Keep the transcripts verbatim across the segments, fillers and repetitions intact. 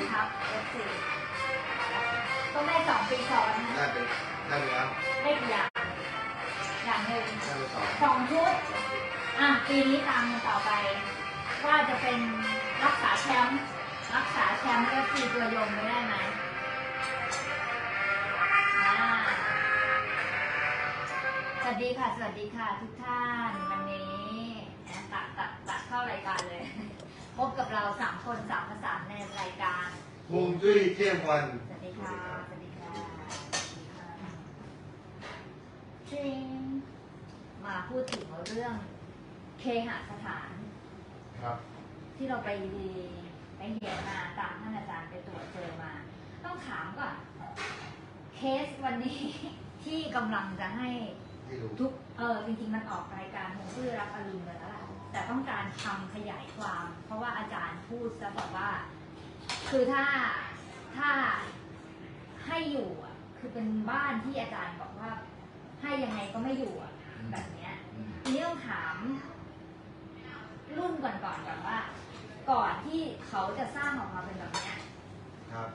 ครับเอฟซีต้องได้สองปีซ้อนนะได้ไปได้ไปแล้วได้กี่อย่างอย่างหนึ่งได้ไปสองสองชุดอ่ะปีนี้ตามกันต่อไป ว่าจะเป็นรักษาแชมป์รักษาแชมป์เอฟซีตัวยงไม่ได้ไหมอ่าสวัสดีค่ะสวัสดีค่ะทุกท่านวันนี้ตัดตัดตัดเข้ารายการเลย พบกับเราสามคนสามภาษาในรายการฮวงจุ้ยเที่ยงวันสวัสดีค่ะ สวัสดีค่ะจริงมาพูดถึงเรื่องเคหสถานครับที่เราไปไปเห็นมาตามท่านอาจารย์ไปตรวจเจอมา ต้องถามก่อนเคสวันนี้ ที่กำลังจะให้ให้รู้ทุกเออจริงๆมันออกรายการของชื่อรับอรุณเลยแล้วล่ะแต่ต้องการทำขยายความ เพราะว่าอาจารย์พูดซะแบบว่า คือถ้าถ้าให้อยู่อ่ะคือเป็นบ้านที่อาจารย์บอกว่า ให้ยังไงก็ไม่อยู่อ่ะแบบเนี้ยอืมทีนี้ต้องถาม รุ่นก่อนๆก่อนก่อนว่า ก่อนที่เขาจะสร้างออกมาเป็นแบบเนี้ยครับ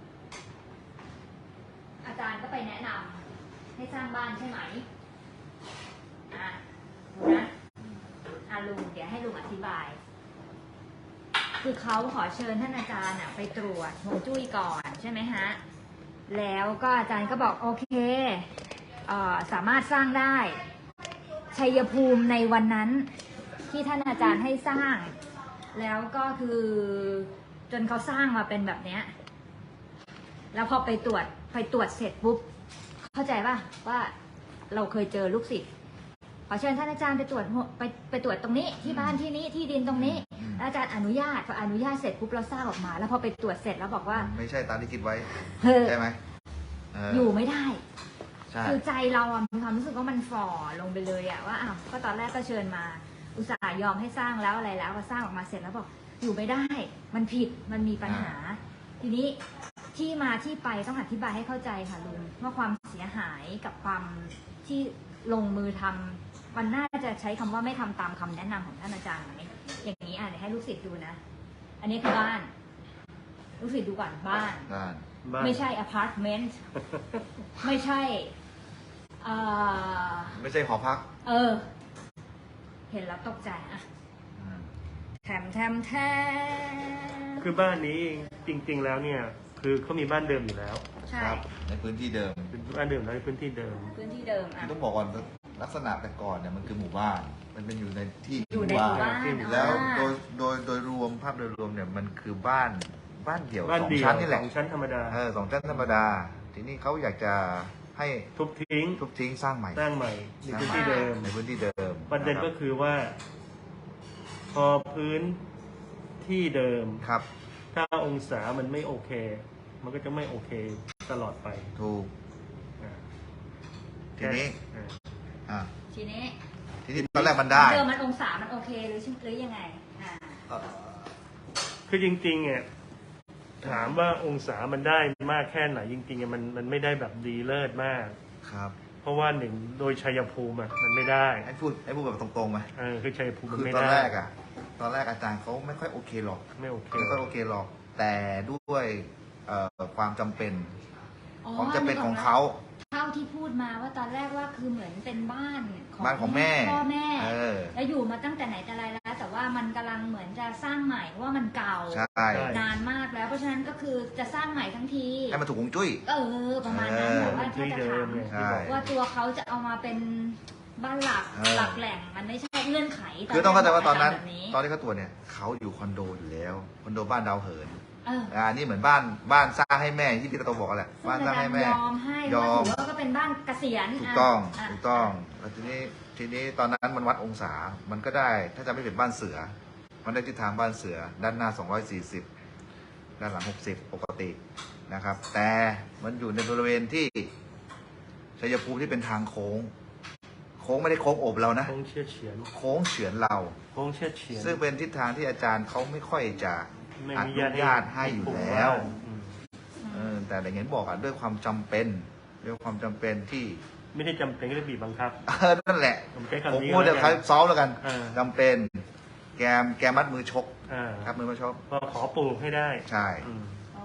อาจารย์ก็ไปแนะนำให้สร้างบ้านใช่ไหมอ่ะดูนะอ่ะลุงเดี๋ยวให้ลุงอธิบาย คือเขาขอเชิญท่านอาจารย์อ่ะไปตรวจฮวงจุ้ยก่อนใช่ไหมฮะ แล้วก็อาจารย์ก็บอกโอเคเอ่อสามารถสร้างได้ ชัยภูมิในวันนั้นที่ท่านอาจารย์ให้สร้าง แล้วก็คือจนเขาสร้างมาเป็นแบบเนี้ย แล้วพอไปตรวจไปตรวจเสร็จปุ๊บเข้าใจป่ะว่าเราเคยเจอลูกศิษย์ขอเชิญท่านอาจารย์ไปตรวจไปไปตรวจตรงนี้ที่บ้านที่นี้ที่ดินตรงนี้แล้วอาจารย์อนุญาตพออนุญาตเสร็จปุ๊บเราสร้างออกมา แล้วพอไปตรวจเสร็จแล้วบอกว่าไม่ใช่ตามที่คิดไว้เฮ้ยใช่ไหมเอยู่ไม่ได้ใช่คือใจเราอะมีความรู้สึกว่ามันฝ่อลงไปเลยอะว่าอ้าวก็ตอนแรกก็เชิญมา อุตส่าห์ยอมให้สร้างแล้วอะไรแล้วพอสร้างออกมาเสร็จแล้วบอกอยู่ไม่ได้ มันผิดมันมีปัญหา ทีนี้ที่มาที่ไปต้องอธิบายให้เข้าใจค่ะลุงว่าความเสียหายกับความที่ลงมือทำมันน่าจะใช้คำว่าไม่ทำตามคำแนะนำของท่านอาจารย์ไหมอย่างนี้อ่ะเดี๋ยวให้ลูกศิษย์ดูนะ อันนี้คือบ้าน ลูกศิษย์ดูก่อนบ้านบ้านบ้านไม่ใช่อพาร์ตเมนต์ ไม่ใช่เอ่อไม่ใช่หอพักเออ เห็นแล้วตกใจอะอืมแถมแถมแถมคือบ้านนี้จริง ๆ แล้วเนี่ย คือเขามีบ้านเดิมอยู่แล้วใช่ครับ ในพื้นที่เดิมเป็นบ้านเดิมแล้วในพื้นที่เดิมพื้นที่เดิมคือ่ะอต้องบอกก่อนลักษณะแต่ก่อนเนี่ยมันคือหมู่บ้าน มันเป็นอยู่ในที่อยู่ในหมู่บ้านแล้วอ่าโดยโดยโดยรวมภาพโดยรวมเนี่ยมันคือบ้านบ้านเดี่ยวบ้านสองเดียวชั้นนี่แหสละองชั้นธรรมดาเออสองชั้นธรรมดา ทีนี้เขาอยากจะให้ทุบทิ้งทุบทิ้งสร้างใหม่สร้างใหม่ในพื้นที่เดิมในพื้นที่เดิมประเด็นก็คือว่า พอพื้นที่เดิมครับถ้าองศามันไม่โอเค มันก็จะไม่โอเคตลอดไปถูกอ่าทีนี้อ่าอ่าทีนี้ทีนี้ตอนแรกมันได้เดิมมันองศามันโอเคหรือหรือยังไงอ่าเอ่อคือจริงๆเนี่ยถามว่าองศามันได้มากแค่ไหนจริงๆอะมันมันไม่ได้แบบดีเลิศมากครับเพราะว่าหนึ่งโดยชัยภูมิอะมันไม่ได้ให้พูดให้พูดแบบตรงๆไหมเออคือชัยภูมิมันคือไม่ตอนได้แรกอะตอนแรกอาจารย์เขาไม่ค่อยโอเคหรอกไม่โอเคไม่ค่อยโอเคหรอก แต่ด้วยเอ่อความจำเป็นความจำเป็นของเขาเท่าที่พูดมาว่าตอนแรกว่าคือเหมือนเป็นบ้านบ้านของแม่พ่อแม่เออแล้วอยู่มาตั้งแต่ไหนแต่ไรแล้ว แต่ว่ามันกำลังเหมือนจะสร้างใหม่เพราะว่ามันเก่าใช่นานมากแล้วเพราะฉะนั้นก็คือจะสร้างใหม่ทั้งทีให้มันถูกฮวงจุ้ยเออประมาณนั้นเออแต่ว่าถ้าที่จะเดิถาม มเนี่ยใช่ที่บอกว่าตัวเขาจะเอามาเป็นบ้านหลักเออหลักแหล่งมันไม่ใช่เงื่อนไขคือต้องเข้าใจว่าตอนนั้นแบบนี้ตอนที่เขาตรวจเนี่ยเขาอยู่คอนโดอยู่แล้วคอนโดบ้านดาวเหินเอออ่านี่เหมือนบ้านบ้านสร้างให้แม่ที่พี่ตะโตบอกกันแหละซึ่งบ้านอาสร้างจารให้ย์แม่ยอมให้ยอมว่าถือว่าก็เป็นบ้านเกษียณถูกต้องะถูกต้องะแล้วทีนี้ทีนี้ตอนนั้นมันวัดองศา มันก็ได้ถ้าจะไม่เป็นบ้านเสือ มันได้ทิศทางบ้านเสือ ด้านหน้าสองร้อยสี่สิบด้านหลังหกสิบปกตินะครับ แต่มันอยู่ในบริเวณที่ชัยภูมิที่เป็นทางโค้ง โค้งไม่ได้โค้งโอบเรานะโค้งเชี่ยเฉียนโค้งเฉือนเราโค้งเชี่ยเฉียนซึ่งเป็นทิศทางที่อาจารย์เขาไม่ค่อยจะไม่อมีนุญาตให้อยู่แล้วอืมเออแต่อย่างเงี้ยบอกอ่ะด้วยความจำเป็นด้วยความจำเป็นที่ไม่ได้จำเป็นก็ได้บีบบังคับเออนั่นแหละผมใช้ผมคำนี้พูดแล้จะวใครกันซ้อมแล้วกันเออจำเป็น แกมแกมัดมือชกอ่าครับมือมาชกพอขอปลูกให้ได้ใช่อืมโอเค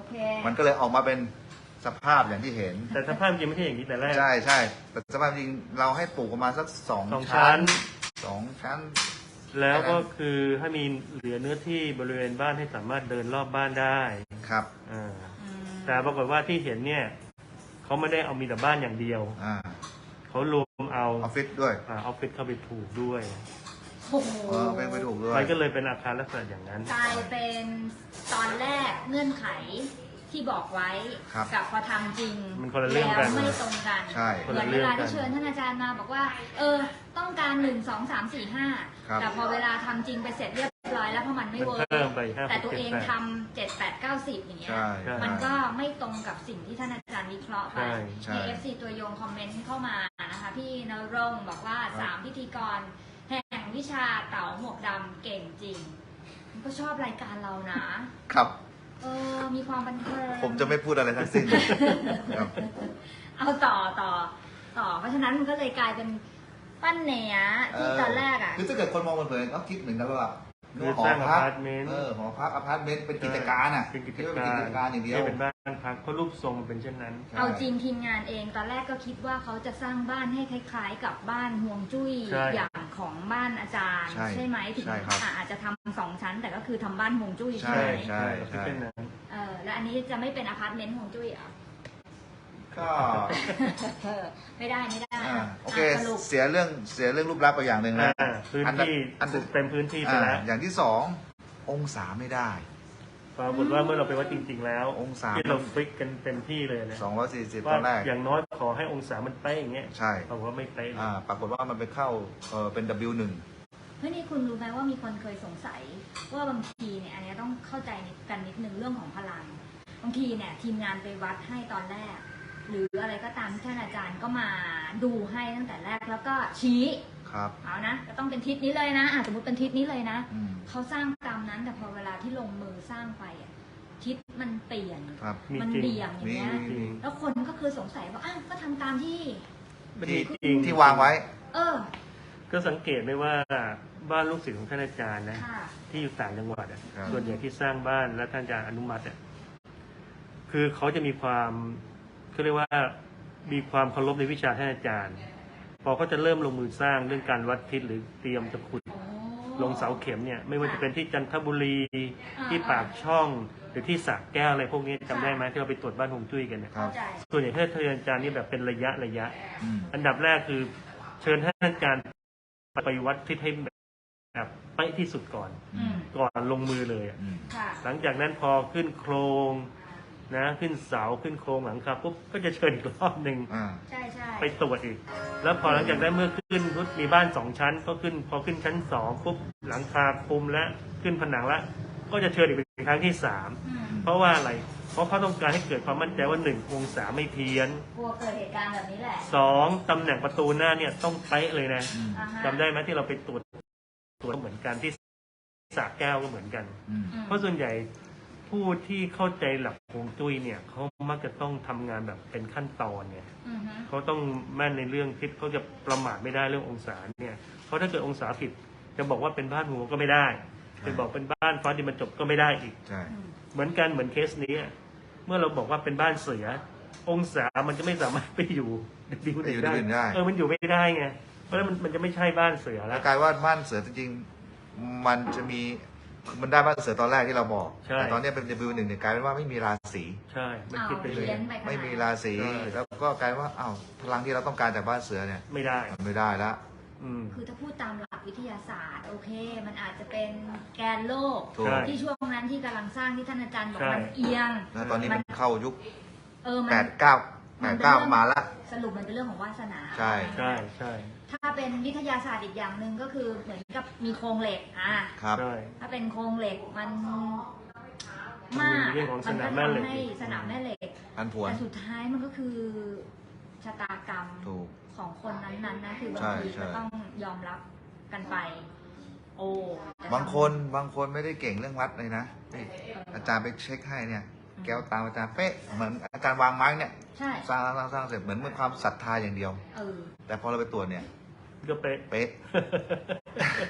เคมันก็เลยออกมาเป็นสภาพอย่างที่เห็นแต่สภาพจริงไม่ใช่อย่างนี้แต่แรกใช่ใช่แต่สภาพจริงเราให้ปลูกประมาณสักสองสองชั้ชั้นนสองชั้นแล้วก็คือให้มีเหลือเนื้อที่บริเวณบ้านให้สามารถเดินรอบบ้านได้ครับอ่าอืมแต่ปรากฏว่าที่เห็นเนี่ยเขาไม่ได้เอามีแต่บ้านอย่างเดียวอ่าเขารวมเอาออฟฟิศด้วยอ่าออฟฟิศเข้าไปผูกด้วยโอ้โหเออเป็นไปถูกด้วยมันก็เลยเป็นอาคารลักษณะอย่างนั้นกลายเป็นตอนแรกเงื่อนไขที่บอกไว้ครับกับพอทำจริงมันคนละเรื่องกันแล้วไม่ตรงกันใช่เหมือนเวลาที่เชิญท่านอาจารย์มาบอกว่า เออ ต้องการหนึ่งสองสามสี่ห้าครับแต่พอเวลาทำจริงไปเสร็จเรียบร้อยแล้วเพราะมันไม่มันเวิร์เพิ่มกไปห้าแต่สิบตัวเจ็ดเองแปดทำเจ็ดแปดเก้าสิบอย่างเงี้ยใช่ใช่มันก็ไม่ตรงกับสิ่งที่ท่านอาจารย์วิเคราะห์ไปใช่ใช่มี เอฟ ซี ตัวยงคอมเมนต์เข้ามานะคะ พี่นรงค์บอกว่าสามพิธีกร แห่งวิชาเต๋าหมวกดำเก่งจริงมันก็ชอบรายการเรานะครับเออ มีความบันเทิงผมจะไม่พูดอะไรทั้งสิ้นครับเอาต่อต่อต่อ เพราะฉะนั้นมันก็เลยกลายเป็นปั้นเหนียที่ตอนแรกอ่ะคือถ้าเกิดคนมองมันเผินก็คิดเหมือนกันว่าคือสร้างอพาร์ตเมนต์เออหอพักอพาร์ตเมนต์เป็นกิจการอ่ะเป็นกิจคิดว่การเป็นกิจการอย่างเดียวไม่เป็นบ้านพักเพราะรูปทรงมันเป็นเช่นนั้นใช่เอาจริงทีมงานเองตอนแรกก็คิดว่าเขาจะสร้างบ้านให้คล้ายๆ กับบ้านห่วงจุ้ยใช่อย่างของบ้านอาจารย์ใช่ใช่ไหมถึงใช่ครับอ่ะอาจจะทำสองชั้น แต่ก็คือทำบ้านห่วงจุ้ยใช่ใช่ไหมใช่เป็นเช่นนั้นเออแล้วอันนี้จะไม่เป็นอพาร์ตเมนต์ห่วงจุ้ยเหรอก็เออไม่ได้ไม่ได้อ่าอ่ะโอเคสรุปเสียเรื่องเสียเรื่องรูปลักษณ์ไปอย่างหนึ่งนะอ่าพื้นอัดับที่อันปลูกเต็มพื้นที่ไปอ่าแล้วอย่างที่สององศาไม่ได้ปรากฏว่าเมื่อเราไปวัดจริง ๆ แล้วองศาที่เราฟิกกันเต็มที่เลยนะสองร้อยสี่สิบตว่าอนแรกอย่างน้อยขอให้องศามันเป๊ะอย่างเงี้ยใช่ปรากฏว่าไม่เป๊ะเลยอ่าปรากฏว่ามันไปเข้าเออเป็น ดับเบิลยู หนึ่งเฮ้ยนี่คุณรู้ไหมว่ามีคนเคยสงสัย ว่าบางทีเนี่ยอันเนี้ยต้องเข้าใจกันนิดนึงเรื่องของพลัง บางทีเนี่ยทีมงานไปวัดให้ตอนแรก หรืออะไรก็ตามที่ท่านอาจารย์ก็มาดูให้ตั้งแต่แรกแล้วก็ชี้ครับเอานะก็ต้องเป็นทิศนี้เลยนะอ่ะสมมติเป็นทิศนี้เลยนะอืมเขาสร้างตามนั้นแต่พอเวลาที่ลงมือสร้างไปอ่ะทิศมันเปลี่ยนครับมีมันจริงเบี่ยงอย่างเงี้ยมีจริงแล้วคนก็คือสงสัยว่าอ้าวก็ทำตามที่มันที่มีจริงที่วางไว้เออก็สังเกตได้ว่าบ้านลูกศิษย์ของท่านอาจารย์นะค่ะที่อยู่ต่างจังหวัดอ่ะครับส่วนใหญ่ที่สร้างบ้านและท่านอาจารย์อนุมัติอ่ะคือเขาจะมีความเขาเรียกว่ามีความเคารพในวิชาท่านอาจารย์ พอเขาจะเริ่มลงมือสร้างเรื่องการวัดทิศหรือเตรียมจะขุดโอ้ลงเสาเข็มเนี่ยไม่ว่าจะเป็นที่จันทบุรีอ่าที่ปากช่องหรือที่สระแก้วอะไรพวกนี้จำได้ไหมที่เราไปตรวจบ้านฮวงจุ้ยกันเนี่ยครัเข้าบใจส่วนใหญ่ท่านอาจารย์นี่แบบเป็นระยะระยะอืมอันดับแรกคือเชิญท่านอาจารย์ไปวัดทิศให้แบบไปที่สุดก่อนอืมก่อนลงมือเลยอะอืมค่ะหลังจากนั้นพอขึ้นโครงนะขึ้นเสาขึ้นโครงหลังคาปุ๊บก็จะเชิญอีกรอบหนึ่งอ่าใช่ใช่ไปตรวจอีก แล้วพอหลังจากนั้นเมื่อขึ้นปุ๊บมีบ้านสองชั้น ก็ขึ้นพอขึ้นชั้นสองปุ๊บหลังคาคลุมและขึ้นผนังละก็จะเชิญอีกเป็นครั้งที่สามอืมเพราะว่าอะไร เพราะเขาต้องการให้เกิดความมั่นใจว่าหนึ่งองศาไม่เพี้ยนกลัวเกิดเหตุการณ์แบบนี้แหละสองตำแหน่งประตูหน้าเนี่ยต้องเป๊ะเลยนะอืมอ่าฮะจำได้ไหมที่เราไปตรวจตรวจเหมือนกันที่สระแก้วก็เหมือนกันอืมอืมเพราะส่วนใหญ่ผู้ที่เข้าใจหลักฮวงจุ้ยเนี่ยเขามักจะต้องทำงานแบบเป็นขั้นตอนเนี่ยอือฮึเขาต้องแม่นในเรื่องทิศเขาจะประมาทไม่ได้เรื่ององศาเนี่ยเพราะถ้าเกิดองศาผิดจะบอกว่าเป็นบ้านหัวก็ไม่ได้จะบอกเป็นบ้านฟ้าดินบรรจบก็ไม่ได้อีกใช่อืมเหมือนกันเหมือนเคสนี้อะเมื่อเราบอกว่าเป็นบ้านเสือ องศามันจะไม่สามารถไปอยู่ดิวไปอยู่ได้ดิวได้เออมันอยู่ไม่ได้ไงเพราะฉะนั้นมันมันจะไม่ใช่บ้านเสือแล้แล้ว วกลายว่าบ้านเสือจริงๆ มันจะมีมันได้บ้านเสือตอนแรกที่เราบอกใช่แต่ตอนนี้เป็น ดับเบิลยู หนึ่งเนี่ยกลายเป็นว่าไม่มีราศีใช่มันเอาผิดไปเลยเพี้ยนไปขนาดไม่มีราศีใช่แล้วก็กลายว่าอ้าวพลังที่เราต้องการจากบ้านเสือเนี่ยไม่ได้มันไม่ได้ละอืมคือถ้าพูดตามหลักวิทยาศาสตร์ โอเค มันอาจจะเป็นแกนโลกถูกใช่ที่ช่วงนั้นที่กำลังสร้างที่ท่านอาจารย์บอกใช่มันเอียงแล้วตอนนี้มันเข้ายุคเออมันแปดเก้าแปดเก้ามาละสรุปมันเป็นเรื่องของวาสนาใช่ใช่ใช่ถ้าเป็นวิทยาศาสตร์อีกอย่างหนึ่งก็คือเหมือนกับมีโครงเหล็กอ่ะครับใช่ถ้าเป็นโครงเหล็กมันมากมีเรื่องของสมันนาก็มแม่เหล็กทำให้สนามแม่เหล็กพันผวนแต่สุดท้ายมันก็คือชะตากรรมถูกของคนนั้นๆนะคือบางใช่ทีใช่ก็ต้องยอมรับกันไป โอ้แต่บางคนบางคนไม่ได้เก่งเรื่องวัดเลยนะนี่อาจารย์ไปเช็คให้เนี่ย แก้วตามอาจารย์เป๊ะเหมือนอาจารย์วางไม้เนี่ยใช่สร้างสร้างสร้างเสร็จเหมือนมีความศรัทธาอย่างเดียวเออแต่พอเราไปตรวจเนี่ยก็เป๊ะเป๊ะค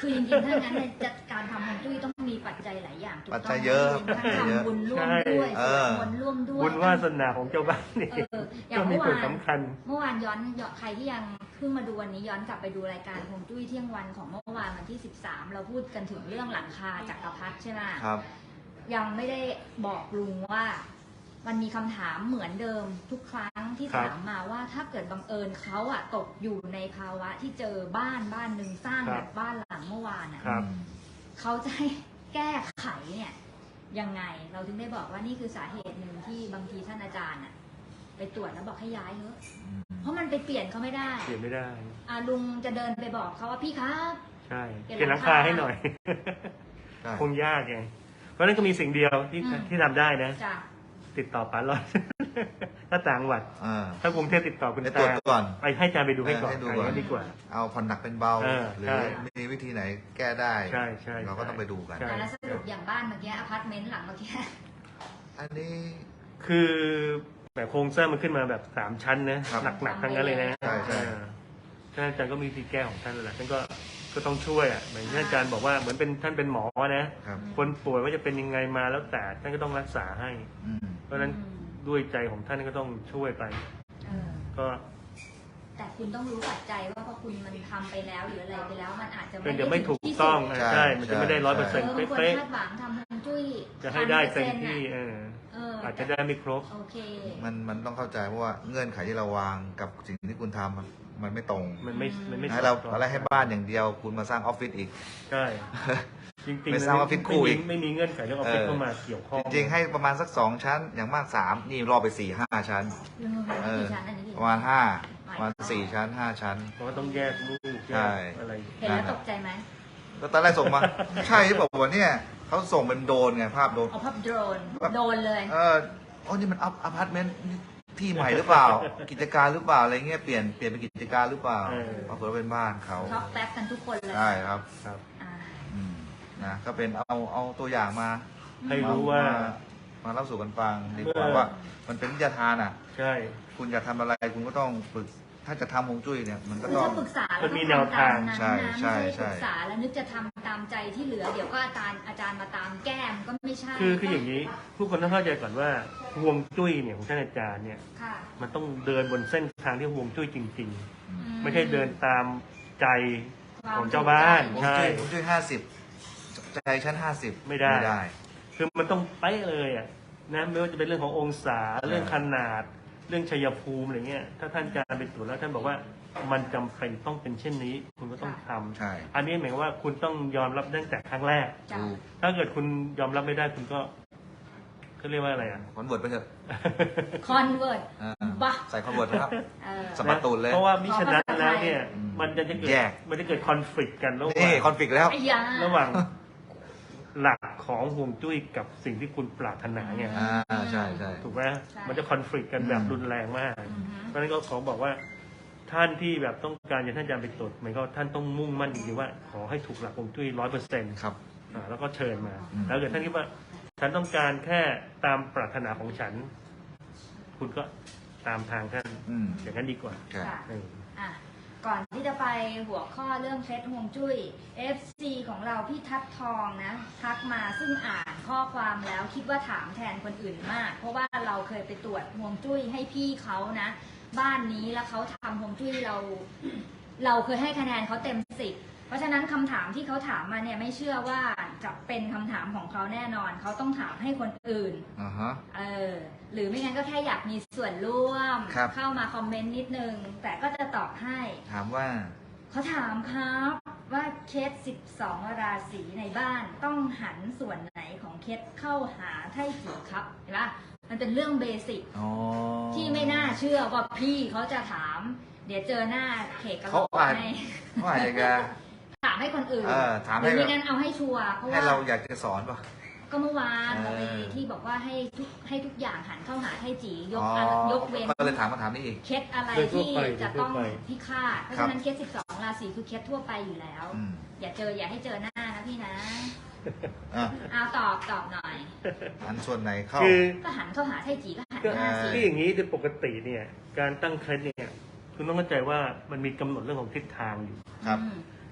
คือจริงๆถ้างั้นในจัดการทำฮวงจุ้ยต้องมีปัจจัยหลายอย่างถูกปัต้จองจัยเยอะทั้งทำบุญร่วมด้วยเอสวอดมนต์ร่วมด้วยบุญวาสนาของเจ้าบ้านนี่เอออย่าก็งมีเมื่อส่วนวานสำคัญเมื่อวานย้อนย้อนใครที่ยังเพิ่งมาดูวันนี้ย้อนกลับไปดูรายการฮวงจุ้ยเที่ยงวันของเมื่อวานวันที่สิบสามเราพูดกันถึงเรื่องหลังคาจักรพรรดิใช่ไหมครับยังไม่ได้บอกลุงว่า มันมีคำถามเหมือนเดิมทุกครั้งที่ครับถามมาว่าถ้าเกิดบังเอิญเขาอะตกอยู่ในภาวะที่เจอบ้านบ้านหนึ่งสร้างครับแบบบ้านหลังเมื่อวานอะครับเขาจะให้แก้ไขเนี่ยยังไงเราถึงได้บอกว่านี่คือสาเหตุหนึ่งที่บางทีท่านอาจารย์อะไปตรวจแล้วบอกให้ย้ายเถอะเพราะมันไปเปลี่ยนเขาไม่ได้เปลี่ยนไม่ได้อ่ะลุงจะเดินไปบอกเขาว่าพี่ครับใช่เปลี่ยนเปลี่ยนหลังคาให้หน่อยใช่คงยากไงเพราะฉะนั้นก็มีสิ่งเดียวที่อืมที่ทำได้นะจ้ะติดต่อป๋าลอย ถ้าต่างจังหวัดอ่าถ้ากรุงเทพติดต่อคุณไปตรวจตาก่อนไปให้อาจารย์ไปดูให้ก่อนให้ดูอะไรก่อนอย่างนั้นดีกว่าเอาผ่อนหนักเป็นเบาเออหรือใช่มีวิธีไหนแก้ได้ใช่ใช่เราก็ต้องไปดูกันใช่แต่ละสรุปอย่างบ้านเมื่อกี้อพาร์ตเมนต์หลังเมื่อกี้อันนี้คือแบบโครงสร้างมันขึ้นมาแบบสามชั้นนะครับ หนักๆทั้งนั้นเลยนะใช่ใช่เออท่านอาจารย์ก็มีวิธีแก้ของท่านแหละท่านก็ก็ต้องช่วยอ่ะเหมือนที่อาจารย์บอกว่าเหมือนเป็นท่านเป็นหมอนะครับคนป่วยว่าจะเป็นยังไงมาแล้วแต่ท่านก็ต้องรักษาให้อืมเพราะฉะนั้นด้วยใจของท่านก็ต้องช่วยไปเออก็แต่คุณต้องรู้ปัจจัยว่าพอคุณมันทำไปแล้วหรืออะไรไปแล้วมันอาจจะเป็นเดี๋ยวไม่ถูกที่ต้องสุดอ่ะใช่ มันจะไม่ได้ร้อยเปอร์เอเซ็นอต์บางคนเป๊ะคาดหวังทำฮวงจุ้ยๆจะให้ได้เต็มที่พันเปอร์เซ็นต์เออน่ะเอออาจจะได้ไม่ครบโอเคมันมันต้องเข้าใจเพราะว่าเงื่อนไขที่เราวางกับสิ่งที่คุณทำมันมันไม่ตรงมันไม่มันไม่ให้เราสดคล้องอะไรให้บ้านอย่างเดียวคุณมาสร้างออฟฟิศอีกใช่ จริงๆไปสร้างออฟฟิศคู่ไม่อีมีกไม่มีเงื่อนไขเรื่องออฟฟิศเออเข้ามาเกี่ยวข้องจริงๆให้ประมาณสักสองชั้น อย่างมากสามนี่รอไปสี่ห้าชั้นเออกี่ชั้นอันนี้กี่ประมาณห้าประมาณสี่ชั้นห้าชั้นเพราะว่าต้องแยกลูกแยใช่กอะไรเห็นแล้วตกใจไหมแล้วตอนแรกส่งมา ใช่ที่บอกว่าเนี่ยเขาส่งเป็นโดรนไงภาพโดรนเอาภาพโดรนโดนเลยเออโอ้นี่มันอัพอพาร์ตเมนต์นี่ที่ใหม่หรือเปล่า กิจการหรือเปล่าอะไรเงี้ยเปลี่ยนเปลี่ยนเป็นกิจการหรือเปล่าเออปรากฏว่าเป็นบ้านเขาช็อกแป๊บกันทุกคนเลยใช่ครับครับอ่าอืมนะก็เป็นเอาเอาตัวอย่างมาให้รู้ว่ามาเล่าสู่กันฟังดีกว่าเมื่อว่า มันเป็นวิทยาทานอ่ะใช่คุณอยากทำอะไรคุณก็ต้องฝึก ถ้าจะทำฮวงจุ้ยเนี่ยมันก็คือต้องถ้าปรึกษาแล้วมันมีก็แนวทำตามทางนั้นใช่นะใช่ไม่ใช่ใช่ปรึกษาแล้วนึกจะทำตามใจที่เหลือ เดี๋ยวก็อาจารย์อาจารย์มาตามแก้มก็ไม่ใช่คือคืออย่างนี้ผู้คนต้องเข้าใจก่อนว่าห่วงจุ้ยเนี่ยของท่านอาจารย์เนี่ยค่ะมันต้องเดินบนเส้นทางที่ห่วงจุ้ยจริงอืๆ ไม่ใช่เดินตามใจความของเจ้าบ้านถูกฮวงใช่จุ้ยฮวงจุ้ยห้าสิบใจชั้นห้าสิบไม่ได้ไม่ได้คือมันต้องเป๊ะเลยอ่ะนะไม่ว่าจะเป็นเรื่องขององศาเรื่องขนาด เรื่องชัยภูมิอะไรเงี้ยถ้าท่านอาจารย์ไปตรวจแล้วท่านบอกว่ามันจำเป็นต้องเป็นเช่นนี้ คุณก็ต้องทำใช่อันนี้หมายความว่าคุณต้องยอมรับตั้งแต่ครั้งแรกจ้ะดูถ้าเกิดคุณยอมรับไม่ได้คุณก็เขาเรียกว่าอะไรอ่ะคอนเวิร์ตไปเถอะคอนเวิร์ตอ่าบ้าใส่คอนเวิร์ตนะครับเออสะบัดตูดเลยเพราะว่ามิฉะนั้นแล้วเนี่ยอืมมันจะจะเกิดแยกมันจะเกิดคอนฟ lict กันระหนี่ว่างคอนฟ lict แล้วไอ้ยาระหว่างหลักของห่วงจุ้ยกับสิ่งที่คุณปรารถนาไงอ่าใช่ใช่ถูกไหมใช่มันจะคอนฟ lict กันแบบอืมรุนแรงมากอือฮึเพราะฉะนั้นก็ขอบอกว่าท่านที่แบบต้องการจะท่านอาจารย์ไปตรวจหมายก็ท่านต้องมุ่งมั่นจริงๆว่าขอให้ถูกหลักห่วงจุ้ยร้อยเปอร์เซ็นต์ครับแล้วก็เชิญมาอืมแล้วเกิดท่านคิดว่าฉันต้องการแค่ตามปรารถนาของฉัน คุณก็ตามทางท่านอืมอย่างนั้นดีกว่าใช่ค่ะเอออ่ะ ก่อนที่จะไปหัวข้อเรื่องเคล็ดฮวงจุ้ย เอฟ ซี ของเราพี่ทัดทองนะ ทักมาซึ่งอ่านข้อความแล้วคิดว่าถามแทนคนอื่นมาก เพราะว่าเราเคยไปตรวจฮวงจุ้ยให้พี่เขานะ บ้านนี้แล้วเขาทำฮวงจุ้ยเรา เราเคยให้คะแนนเขาเต็มสิบเพราะฉะนั้นคำถามที่เขาถามมาเนี่ยไม่เชื่อว่าจะเป็นคำถามของเขาแน่นอน เขาต้องถามให้คนอื่นอ่าฮะเออหรือไม่งั้นก็แค่อยากมีส่วนร่วมครับเข้ามาคอมเมนต์นิดนึง แต่ก็จะตอบให้ถามว่าเขาถามครับว่าเคสสิบสองราศีในบ้านต้องหันส่วนไหนของเคสเข้าหาไท่จีครับเห็นปะมันเป็นเรื่องเบสิกอ๋อที่ไม่น่าเชื่อว่าพี่เขาจะถาม เดี๋ยวเจอหน้าเขกกระโหลเขากอ่านให้เขาอาจจะถามให้คนอื่นเออถามหให้รือไม่งั้นเอาให้ชัวร์เพราะให้ว่าเราอยากจะสอนป่ะก็เมื่อวานเออเราไปที่บอกว่าให้ทุกให้ทุกอย่างหันเข้าหาไท่จียกอ๋ออะไรยกเว้นก็เลยถามคำถามนี้อีกเคสอะไรโดยทั่วที่ไปจะโดยทั่วต้องไปที่คาดเพราะครัฉะบนั้นเคสสิบสองราศีคือเคสทั่วไปอยู่แล้วอืมอย่าเจออย่าให้เจอหน้านะพี่นะอ่ะเอาตอบตอบหน่อยอันส่วนไหนเข้าคือก็หันเข้าหาไทจีก็หันก็หน้าสิที่อย่างนี้โดยปกติเนี่ย การตั้งเคล็ดเนี่ย คุณต้องเข้าใจว่ามันมีกำหนดเรื่องของทิศทางอยู่ครับอืม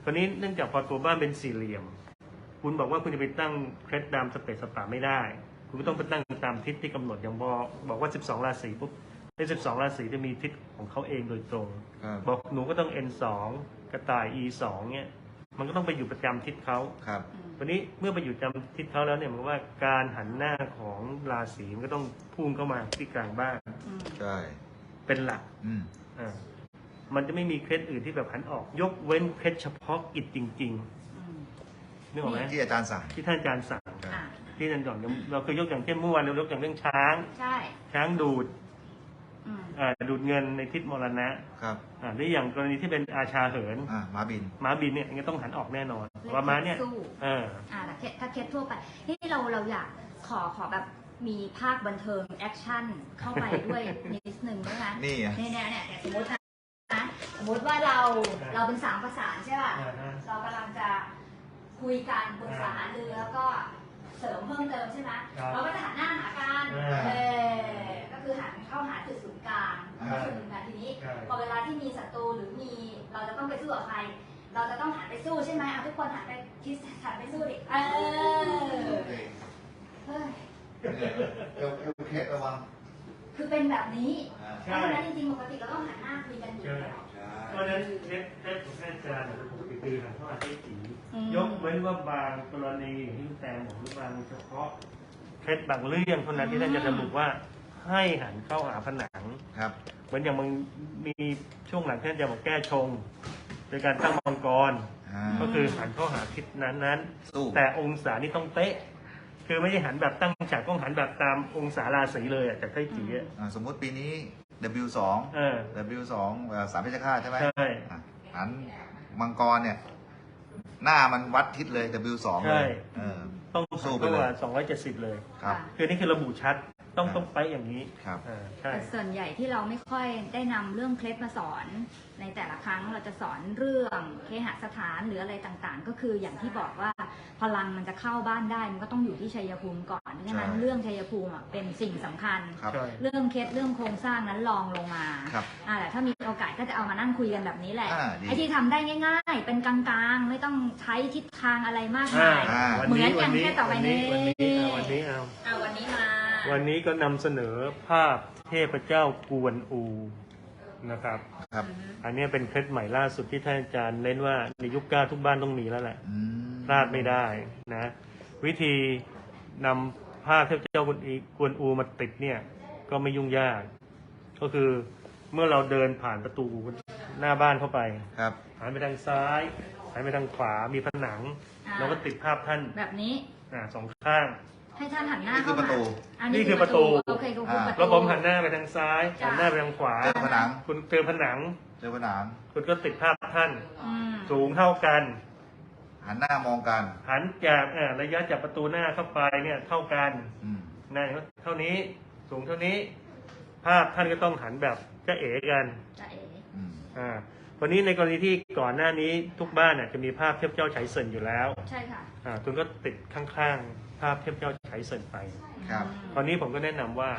ตอนนี้เนื่องจากพอตัวบ้านเป็นสี่เหลี่ยม คุณบอกว่าคุณจะไปตั้งเคล็ดตามสเปซสปาไม่ได้ คุณก็ต้องไปตั้งตามทิศที่กำหนดอย่างบอกบอกว่าสิบสองราศีปุ๊บในสิบสองราศีจะมีทิศของเขาเองโดยตรงครับบอกหนูก็ต้อง เอ็น สอง กระต่าย อี สอง เนี่ยมันก็ต้องไปอยู่ประจำทิศเขาครับวันนี้เมื่อไปอยู่จำทิศเขาแล้วเนี่ยมันว่าการหันหน้าของราศีมันก็ต้องพุ่งเข้ามาที่กลางบ้านอืมใช่เป็นหลักอืมอ่ามันจะไม่มีเคล็ดอื่นที่แบบหันออก ยกเว้นเคล็ดเฉพาะกิจจริงอืมๆนึกออกไหมที่อาจารย์สั่งที่ท่านอาจารย์สั่งครับอ่ะที่อาจารย์บอกเราเคยยกอย่างเช่นเมื่อวานเรายกอย่างเรื่องช้างใช่ช้างดูดอืมอ่าดูดเงินในทิศมรณะครับอ่าหรืออย่างกรณีที่เป็นอาชาเหินอ่าม้าบินม้าบินเนี่ยอันนี้ต้องหันออกแน่นอนว่าม้าเนี่ยสู้เอออ่าแต่เคสถ้าเคสทั่วไปที่เราเราอยากขอขอแบบมีภาคบันเทิงแอคชั่นเข้าไปด้วยนิดนึงได้ไหมนี่ไงเนี่ยเนี่ยเนี่ยสมมตินะสมมติว่าเราเราเป็นสามประสานใช่ป่ะอ่าฮะเรากำลังจะคุยกันปรึกษาหารือแล้วก็เสริมเพิ่มเติมใช่ไหมครับเราก็จะหันหน้าหากันอ่าเออก็คือหันเข้าหาจุดศูนย์กลางอ่าก็คือนะทีนี้ใช่พอเวลาที่มีศัตรูหรือมีเราจะต้องไปสู้กับใคร เราจะต้องหันไปสู้ใช่ไหมเอาทุกคนหันไปคิดหันไปสู้ดิเออเฮ้ยเอวเอวเคสระวังคือเป็นแบบนี้อ่าเพราะฉะนั้นจริงๆปกติเราต้องหันหน้าคุยกันอยู่แล้วใช่เพราะฉะนั้นเคล็ดเคล็ดของท่านอาจารย์เนี่ยปกติคือหันเข้าหาที่สีอืมยกเว้นว่าบางกรณีอย่างที่คุณแตงบอกหรือบางเฉพาะเคล็ดบางเรื่องเท่านั้นที่ท่านจะระบุว่าให้หันเข้าหาผนังครับเหมือนอย่างมันมีช่วงหลังท่านจะบอกแก้ชงโดยการตั้งมังกรอ่าก็คือหันเข้าหาทิศนั้นนั้นๆสู้แต่องศานี่ต้องเป๊ะ คือไม่ใช่หันแบบตั้งฉากต้องหันแบบตามองศาราศีเลยอะจากไต้จีอะอ่าสมมุติปีนี้ ดับเบิลยู สองเออดับเบิลยู สองเอ่อสามเพชรฆาตใช่ไหมใช่อ่ะหันมังกรเนี่ย หน้ามันวัดทิศเลย ดับเบิลยู สองใช่เลยเออต้องสู้สู้ไปไปเลยว่าสองร้อยเจ็ดสิบเลยครับคือนี่คือระบุชัดต้องต้องไปอย่างนี้ครับอ่าใช่แต่ส่วนใหญ่ที่เราไม่ค่อยได้นำเรื่องเคล็ดมาสอน ในแต่ละครั้งเราจะสอนเรื่องเคหสถานหรืออะไรต่างๆ ก็คืออย่างที่บอกว่าพลังมันจะเข้าบ้านได้มันก็ต้องอยู่ที่ชัยภูมิก่อนเพราะฉะนั้นใช่เรื่องชัยภูมิอ่ะเป็นสิ่งสำคัญครับใช่เรื่องเคล็ดเรื่องโครงสร้างนั้นลองลงมาครับอ่าแต่ถ้ามีโอกาสก็จะเอามานั่งคุยกันแบบนี้แหละอ่าดีไอ้ที่ทำได้ง่าย ๆ เป็นกลางๆ ไม่ต้องใช้ทิศทางอะไรมากอ่ามายอ่าวันเหมืนี้อนอวัย่าน งนี้แค่ต่อไปวันนี้นี้วันนี้เอาวันนี้เอาอ่าวันนี้มาวันนี้ก็นำเสนอภาพเทพเจ้ากวนอูนะครับครับอันนี้เป็นเคล็ดใหม่ล่าสุดที่ท่านอาจารย์เน้นว่าในยุคเก้าทุกบ้านต้องมีแล้วแหละอืมพลาดไม่ได้นะ วิธีนำภาพเทพเจ้ากวนอีกวนอูมาติดเนี่ย ก็ไม่ยุ่งยาก ก็คือเมื่อเราเดินผ่านประตูหน้าบ้านเข้าไปครับหันไปทางซ้ายหันไปทางขวามีผนังอ่าเราก็ติดภาพท่านแบบนี้อ่าสองข้างให้ท่านหันหน้านี่คือเข้าประตูมานี่คือประตูโอเคก็คือประตูแล้วผมหันหน้าไปทางซ้ายจ้ะหันหน้าไปทางขวาเจอผนังคุณเจอผนังเจอผนังคุณก็ติดภาพท่านอืมสูงเท่ากันหันหน้ามองกันหันจากเอ่อระยะจากประตูหน้าเข้าไปเนี่ยเท่ากันอืมนั่นเท่านี้สูงเท่านี้ ภาพท่านก็ต้องหันแบบจะเอ๋กันจะเอ๋อืมอ่าวันนี้ในกรณีที่ก่อนหน้านี้ทุกบ้านน่ะจะมีภาพเทพเจ้าไฉเซินอยู่แล้วใช่ค่ะอ่าคุณก็ติดข้างๆ ภาพเทพเจ้าไฉเซินไปครับตอนนี้ผมก็แนะนำว่า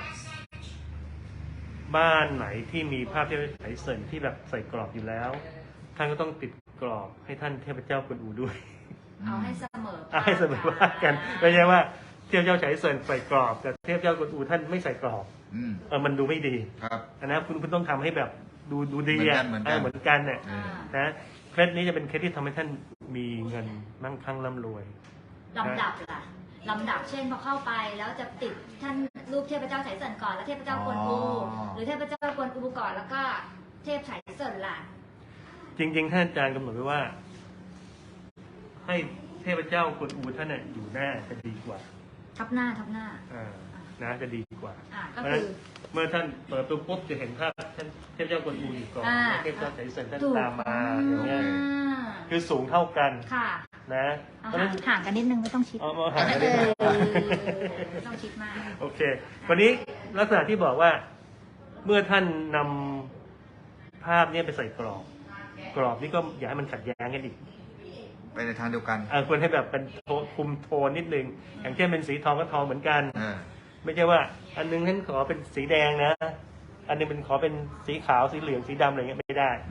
บ้านไหนที่มีภาพเทพเจ้าไฉเซินที่แบบใส่กรอบอยู่แล้ว ท่านก็ต้องติดกรอบให้ท่านเทพเจ้ากวนอูด้วยเอาให้เสมออ่ะให้เสมอว่ากันไม่ใช่ว่าเทพเจ้าไฉเซินใส่กรอบแต่เทพเจ้ากวนอูท่านไม่ใส่กรอบอืมเออมันดูไม่ดีครับอันนั้นคุณคุณต้องทำให้แบบดูดูดีเหมือนกัอ่ะนเหมือนกันเออเหมือนกันเนี่ยเออนะเคล็ดนี้จะเป็นเคล็ดที่ทำให้ท่านมีเงินมั่งคั่งร่ำรวยลำดับล่ะลำดับเช่นพอเข้าไปแล้วจะติดท่านรูปเทพเจ้าไฉเซินก่อนแล้วเทพเจ้ากวนอูอ๋อหรือเทพเจ้ากวนอูก่อนแล้วก็เทพไฉเซินล่ะจริง ๆ ท่านอาจารย์กำหนดไว้ว่า ให้เทพเจ้ากวนอูท่านน่ะอยู่หน้าจะดีกว่าทับหน้าทับหน้าอ่านะจะดีกว่าอ่าก็เพราะฉะคืนั้นอเมื่อท่านเปิดประตูปุ๊บจะเห็นภาพท่านเทพเจ้ากวนอูอยู่ก่อนอ่าแล้วเทพเจ้าไฉเซินท่านถูกตามมาอย่างเงี้ยอ่าคือสูงเท่ากันค่ะนะเอาเพราะฉะห่านั้งนห่างกันนิดนึงไม่ต้องชิดเอาเอาห่างเอกันนิดนึงอไม่ต้องชิดมากโอเค วันนี้ลักษณะที่บอกว่าเมื่อท่านนำภาพเนี้ไปใส่กรอบ กรอบนี้ก็อย่าให้มันขัดแย้งกันอีกไปในทางเดียวกันอ่าควรให้แบบเป็นโทนคุมโทนนิดนึง อย่างเช่นเป็นสีทองก็ทองเหมือนกันเออไม่ใช่ว่า อันนึงท่านขอเป็นสีแดงนะ อันนึงเป็นขอเป็นสีขาวสีเหลืองสีดำอะไรเงี้ยไม่ได้อืม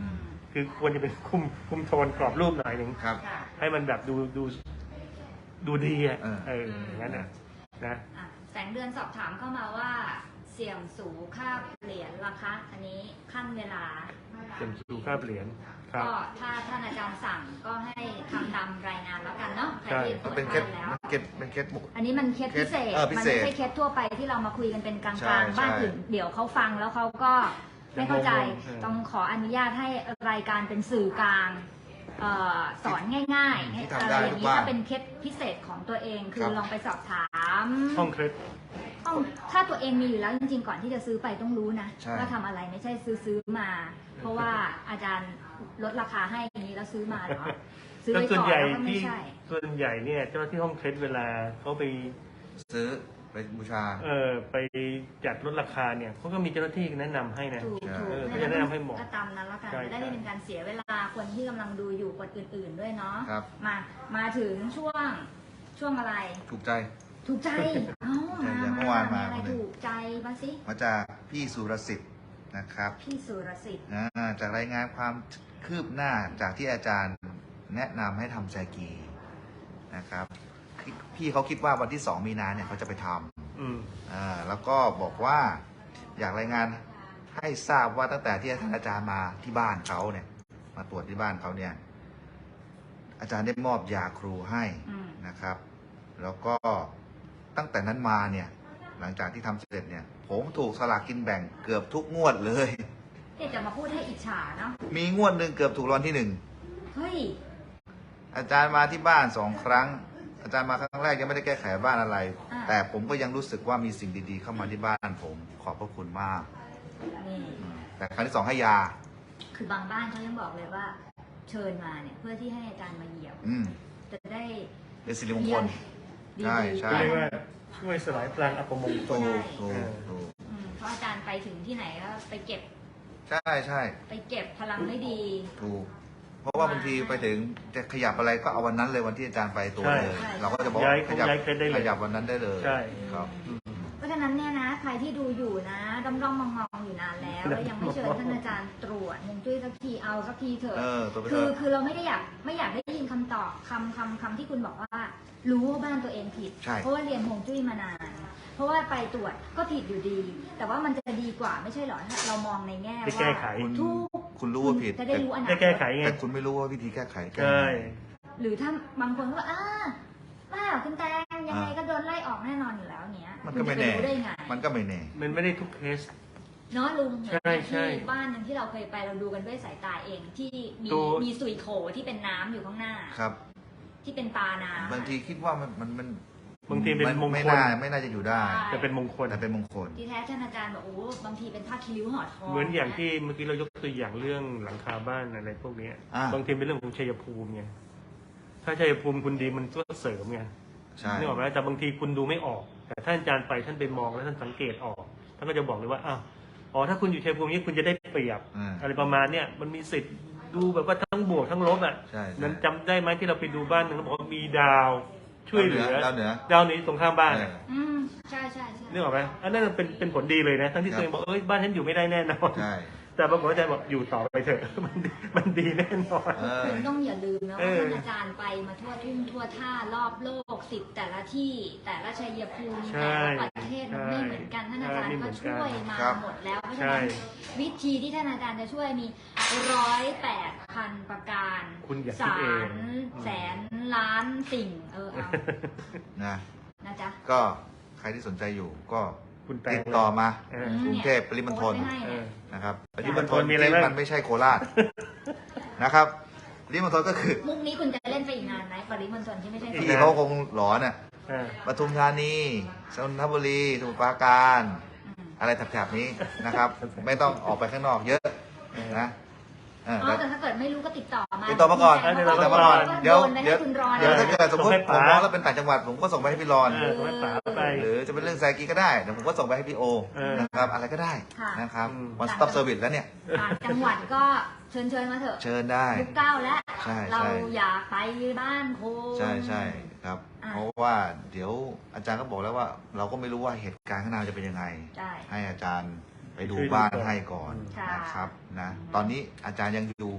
คือควรจะเป็นคุมคุมโทนกรอบรูปหน่อยหนึ่งครับค่ะให้มันแบบดูดูดูดีอ่ะเออเอออย่างนั้นนะนะอ่ะแสงเดือนสอบถามเข้ามาว่าเสี่ยมสูค่าเหรียญราคาอันนี้ขั้นเวลาเต็มสูค่าเหรียญครับก็ถ้าท่านอาจารย์สั่งก็ให้ทำตามรายงานแล้วกันเนาะใครที่ตรมันวจเป็นเคทาสนแล้วมันเคสเป็นเคสบุกอันนี้มันเคสพิเศษเออพิมันเศษไม่ใช่เคสทั่วไปที่เรามาคุยกันเป็นกลาใช่งๆ บ้านใช่อื่นเดี๋ยวเขาฟังแล้วเขาก็ไม่เข้าใจงงๆเออต้องขออนุญาตให้รายการเป็นสื่อกลางเอ่อสอนง่ายๆที่อะไรทำได้อย่างทุกนี้บ้านถ้าเป็นเคสพิเศษของตัวเอง คืครัอบ ลองไปสอบถามห้องเคล็ดต้องถ้าตัวเองมีอยู่แล้วจริงๆก่อนที่จะซื้อไปต้องรู้นะใช่ว่าทำอะไรไม่ใช่ซื้อซื้อมา เพราะว่าอาจารย์ลดราคาให้อย่างนี้แล้วซื้อมาเหรอซื้อแล้วไว้ส่วนก่อนใหญ่แล้วก็ไม่ที่ใช่ส่วนใหญ่เนี่ยเจ้าหน้าที่ห้องเคล็ดเวลาเขาไปซื้อไปบูชาเออไปจัดลดราคาเนี่ยเขาก็มีเจ้าหน้าที่แนะนำให้นะถูกใช่ถูกเออไม่ก็จะแนะนำให้เหมาะก็ตามนั้นแล้วกันใช่จะได้ใช่ไม่เป็นการเสียเวลาคนที่กำลังดูอยู่คนอื่น ๆด้วยเนาะครับมามาถึงช่วงช่วงอะไรถูกใจถูกใจเอ้ามาอย่างเมื่อวานมาอะไรคนหนึ่งถูกใจบ้างสิมาจากพี่สุรสิทธิ์นะครับพี่สุรสิทธิ์อ่าจากรายงานความคืบหน้าจากที่อาจารย์แนะนำให้ทำแซกีนะครับพี่พี่เขาคิดว่าวันที่สองมีนาเนี่ยเขาจะไปทอืมำอ่าแล้วก็บอกว่าอยากรายงานให้ทราบว่าตั้งแต่ที่ท่านอาจารย์มาที่บ้านเขาเนี่ย มาตรวจที่บ้านเขาเนี่ย อาจารย์ได้มอบยาครูให้อืมนะครับ แล้วก็ตั้งแต่นั้นมาเนี่ย หลังจากที่ทำเสร็จเนี่ย ผมถูกสลากกินแบ่งเกือบทุกงวดเลยเดี๋ยวจะมาพูดให้อิจฉาเนาะมีงวดหนึ่งเกือบถูกรางวัลที่หนึ่งเฮ้ยอาจารย์มาที่บ้านสองครั้ง อาจารย์มาครั้งแรกยังไม่ได้แก้ไขบ้านอะไรอ่าแต่ผมก็ยังรู้สึกว่ามีสิ่งดีๆ เข้ามาที่บ้านผม ขอบพระคุณมากนี่อืมแต่ครั้งที่สองให้ยาคือบางบ้านเขายังบอกเลยว่า เชิญมาเนี่ยเพื่อที่ให้อาจารย์มาเหยียบอืมจะได้เป็นสิริมงคลดีใช่ๆใช่ก็เรียกว่าช่วยสลายพลังอัปมงคถูลกถูกถูกอืมเพราะอาจารย์ไปถึงที่ไหนก็ไปเก็บใช่ใช่ไปเก็บพลังไม่ดีถูก เพราะว่าบางทีไปถึงจะขยับอะไรก็เอาวันนั้นเลยวันที่อาจารย์ไปตัวเลยใช่เราก็จะบอกย้ายขยับย้ายเคล็ดได้เลยขยับวันนั้นได้เลยใช่ครับอืมเพราะฉะนั้นเนี่ยนะใครที่ดูอยู่นะด้อมด้อมมองมองๆอยู่นานแล้ว แล้วยังไม่เชิญท่านอาจารย์ตรวจฮวงจุ้ยสักทีเอาสักทีเถอะเออตัวไปคืเถออะคือเราไม่ได้อยากไม่อยากได้ยินคำตอบคำคำคำที่คุณบอกว่า รู้ว่าบ้านตัวเองผิดใช่เพราะว่าเรียนฮวงจุ้ยมานาน เพราะว่าไปตรวจก็ผิดอยู่ดี แต่ว่ามันจะดีกว่าไม่ใช่เหรอถ้าเรามองในแง่ได้ว่าแก้ไขคุณทุกคุณรู้ว่าผิดจะได้รู้อนาได้คแก้ตไขไงแต่คุณไม่รู้ว่าวิธีแก้ไขแก้ใช่ยังไงหรือถ้าบางคนก็ว่าอ้าว่าคุณแตงยังไงก็โดนไล่ออกแน่นอนอยู่แล้วเนี้ยมันคุก็ณไม่จะไปแน่รู้ได้ไงมันก็ไม่แน่มันไม่ได้ทุกเคสเนาะลุงใช่ใช่ที่บ้านหนึงที่เราเคยไปเราดูกันด้วยสายตาเองที่มีตัวมีสุยโขที่เป็นน้ำอยู่ข้างหน้าครับที่เป็นตาน้ำบางทีคิดว่ามันมันมันบางทีเป็นมงไม่คลน่าไม่น่าจะอยู่ได้แต่เป็นมงคลแต่เป็นมงคลที่แท้ท่านอาจารย์บอกโอ้บางทีเป็นผ้าคิริ้วห่อทองเหมือนอย่างที่เมื่อกี้เรายกตัวอย่างเรื่องหลังคาบ้านอะไรพวกเนี้ยอ่าบางทีเป็นเรื่องของชัยภูมิไงถ้าชัยภูมิคุณดีมันก็เสริมไงใช่นึกออกไหมแต่บางทีคุณดูไม่ออก แต่ท่านอาจารย์ไปท่านไปมองแล้วท่านสังเกตออกท่านก็จะบอกเลยว่าอ้าวอ๋อถ้าคุณอยู่ชัยภูมินี้คุณจะได้เปรียบอ่าอะไรประมาณเนี้ยมันมีสิทธิ์ดูแบบว่าทั้งบวกทั้งลบอ่ะใช่ใช่นั้นจำได้ไหมที่เราไปดูบ้านหนึงเขาบอกว่ามีดาวช่วยเหลือดาวเหนือดาวนี้ตรงข้ามบ้านเออะออืมใช่ใช่ใช่นึกออกไหมอันนั้นเป็นเป็นผลดีเลยนะทั้งที่ครับตัวเองบอกเอ้ยบ้านฉันอยู่ไม่ได้แน่นอนใช่แต่ปรากฏว่าอาจารย์บอกอยู่ต่อไปเถอะ มันดีมันดีแน่นอนเออคุณต้องอย่าลืมนะเอว่าอท่านอาจารย์ไปมาทั่วทุ่งทั่วท่ารอบโลกสิบแต่ละที่แต่ละชัยภูมิใช่แต่ละประเทศมันไม่เหมือนกันท่านอาจารย์ใช่ไม่เหมืก็อนกันช่วยมาครับหมดแล้วเพราะฉะใช่นั้นวิธีที่ท่านอาจารย์จะช่วยมีร้อยแปดพันประการคุณอย่าคิดสาเองรแสนล้านสิ่งเออเอานะนะจ๊ะก็ใครที่สนใจอยู่ก็คุณแปลติดต่อมาเออกรุงเทพปริมณฑลโพสต์ไว้ให้เอเนี่ยอนะครับปปริริมมณณฑฑลลมีอะไรที่บ้างมันไม่ใช่โคราชนะครับปริมณฑลก็คือมุกนี้คุณจะเล่นไปอีกนานไหมปริมณฑลที่ไม่ใช่อีกที่นานเขาคงหลอนน่ะเออปทุมธานีสนทบุรีสมุทรปราการอืมอะไรแถบๆนี้นะครับ ไม่ต้องออกไปข้างนอกเยอะนะเอออ๋อแต่แต่ถ้าเกิดไม่รู้ก็ติดต่อมาติดต่อมาก่อนติดติดต่อมาก่อนเดี๋ยวโนไปเดี๋ยวให้คุณรอเดี๋ยวนะถ้าเกิดสมมติส่งให้ผมป๋ามองแล้วเป็นต่างจังหวัดผมก็ส่งไปให้พี่รอนเออส่งให้ป๋าไปหรือจะเป็นเรื่องแซกีก็ได้เดี๋ยวผมก็ส่งไปให้พี่โอเออนะครับ อะไรก็ได้ค่ะนะครับอืม one stop service แล้วเนี่ยต่างจังหวัดก็เชิญเชิญมาเถอะเชิญได้ยุคเก้าแล้วใช่ใช่เราอยากไปบ้านโคใช่ใช่ครับอ่ะเพราะว่าเดี๋ยวอาจารย์ก็บอกแล้วว่า เราก็ไม่รู้ว่าเหตุการณ์ข้างหน้าจะเป็นยังไงใช่ให้อาจารย์ไปดูช่วยดูบ้านก่อนให้ก่อนค่ะนะครับนะตอนนี้อาจารย์ยังอยู่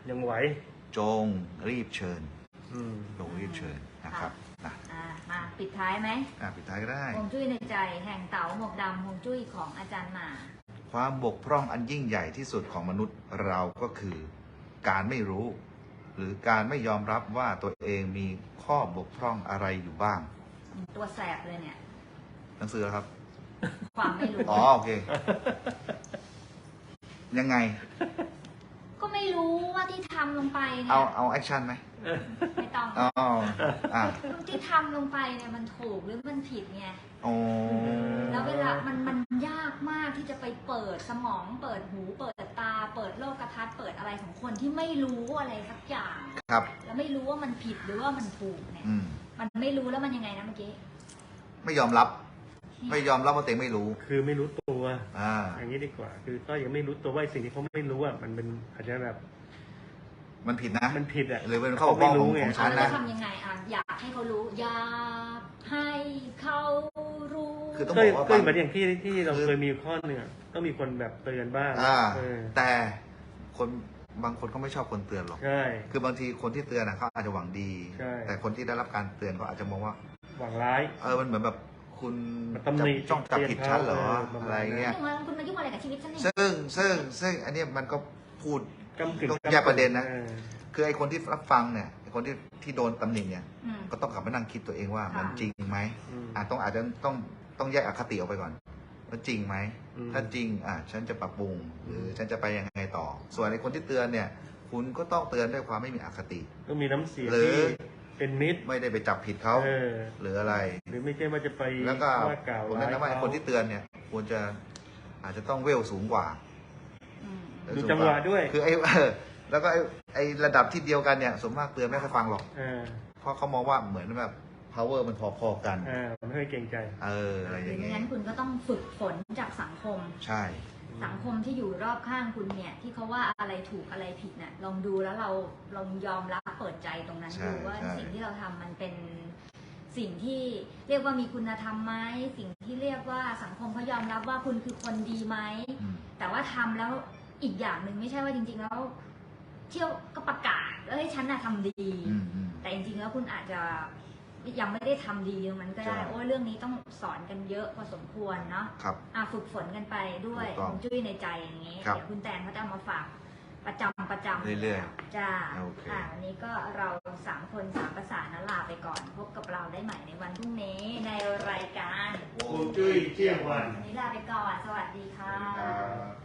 ยังไหวจงรีบเชิญอืมจงรีบเชิญนะครับนะอ่ามาปิดท้ายไหมอ่ะปิดท้ายก็ได้ฮวงจุ้ยในใจแห่งเต๋าหมวกดำฮวงจุ้ยของอาจารย์หมาความบกพร่องอันยิ่งใหญ่ที่สุดของมนุษย์เราก็คือ การไม่รู้ หรือการไม่ยอมรับว่าตัวเองมีข้อบกพร่องอะไรอยู่บ้างตัวแสบเลยเนี่ยหนังสือแล้วครับความไม่รู้อ๋อโอเค ยังไงก็ไม่รู้ว่าที่ทำลงไปเนี่เอายเอาแอคชั่นไหมไม่ต้องอ๋ออ่ะที่ทำลงไปเนี่ยมันถูกหรือมันผิดไงโอ้แล้วเวลามันมันยากมากที่จะไปเปิดสมอง เปิดหู เปิดตา เปิดโลกทัศน์เปิดอะไรของคนที่ไม่รู้อะไรสักอย่างครับแล้วไม่รู้ว่ามันผิดหรือว่ามันถูกเนี่ยอืมมันไม่รู้แล้วมันยังไงนะเมื่อกี้ไม่ยอมรับ ไม่ยอมรับว่าตัวเองไม่รู้คือไม่รู้ตัวอ่าอย่างนี้ดีกว่า คือก็ยังไม่รู้ตัวว่าไอ้สิ่งที่เขาไม่รู้อ่ะมันเป็นอาจจะแบบมันผิดนะมันผิดอ่ะหรือเป็นข้อบกพร่องของของฉันแล้วนะจะทำยังไงอ่ะอยากให้เขารู้ อยากให้เขารู้คือต้องก็บอกว่าก็บางเหมือนอย่างที่ที่เราคือเคยมีข้อหนึ่งอะต้องมีคนแบบเตือนบ้างอ่าเออแต่คนบางคนเขาไม่ชอบคนเตือนหรอกใช่คือบางทีคนที่เตือนนะเขาอาจจะหวังดีใช่แต่คนที่ได้รับการเตือนเขาอาจจะมองว่าหวังร้ายเออ มันเหมือนแบบคุณมันตำหนิจ้องจับผิดฉันเหรอเตือนเขาอะไรเงี้ยยุ่งอะไรคุณมายุ่งอะไรกับชีวิตฉันเนี่ยซึ่งซึ่งซึ่งอันเนี้ยมันก็พูดกำกึ่งต้องแยกประเด็นนะออคือไอ้คนที่รับฟังเนี่ยไอ้คนที่ที่โดนตำหนิเนี่ยอืมก็ต้องกลับมานั่งคิดตัวเองว่าค่ะมันจริงไหมอืมอ่ะต้องอาจจะต้องต้องแยกอคติออกไปก่อนว่าจริงไหมอืมถ้าจริงอ่ะฉันจะปรับปรุง หรือฉันจะไปยังไงต่อ ส่วนไอ้คนที่เตือนเนี่ย คุณก็ต้องเตือนด้วยความไม่มีอคติต้องมีน้ำเสียงหรือที่เป็นมิตรไม่ได้ไปจับผิดเขาเออหรืออะไรหรือไม่ใช่ว่าจะไปแล้วก็ว่ากล่าวผมร้าแนะยนำว่าไอ้เขาคนที่เตือนเนี่ยควรจะอาจจะต้องเวลสูงกว่าอืมดูจังหวะด้วยคือไอ้ เออแล้วก็ไอ้ไอ้ระดับที่เดียวกันเนี่ยสมมากเตือนไม่ค่อยฟังหรอกเออเพราะเขามองว่าเหมือนแบบ power มันพอๆกันเออไม่ค่อยเกรงใจเอออะไรอหรืย่าอง ไม่เงี้ยงั้นคุณก็ต้องฝึกฝนจากสังคมใช่สังคมที่อยู่รอบข้างคุณเนี่ย ที่เขาว่าอะไรถูกอะไรผิดเนี่ยลองดูแล้วเราลองยอมรับเปิดใจตรงนั้นใช่ดูว่าใช่สิ่งที่เราทำมันเป็นสิ่งที่เรียกว่ามีคุณธรรมไหมสิ่งที่เรียกว่าสังคมเขายอมรับว่าคุณคือคนดีไหมอืมแต่ว่าทำแล้วอีกอย่างหนึ่งไม่ใช่ว่าจริง ๆ แล้ว เที่ยวก็ประกาศเอ้ยฉันน่ะทำดีอืมอืมแต่จริงๆแล้วคุณอาจจะยังไม่ได้ทำดีตรงนั้นก็ได้ใช่โอ้ยเรื่องนี้ต้องสอนกันเยอะพอสมควรเนาะครับอ่ะฝึกฝนกันไปด้วยถูกต้องฮวงจุ้ยในใจอย่างนี้ครับเดี๋ยวคุณแตนเขาจะเอามาฝากประจำประจำเรื่อยๆจ้าโอเคอ่ะวันนี้ก็เราสามคนสามประสานนลาไปก่อน พบกับเราได้ใหม่ในวันพรุ่งนี้ในรายการฮวงจุ้ยเที่ยงวันวันนี้ลาไปก่อน สวัสดีค่ะครับ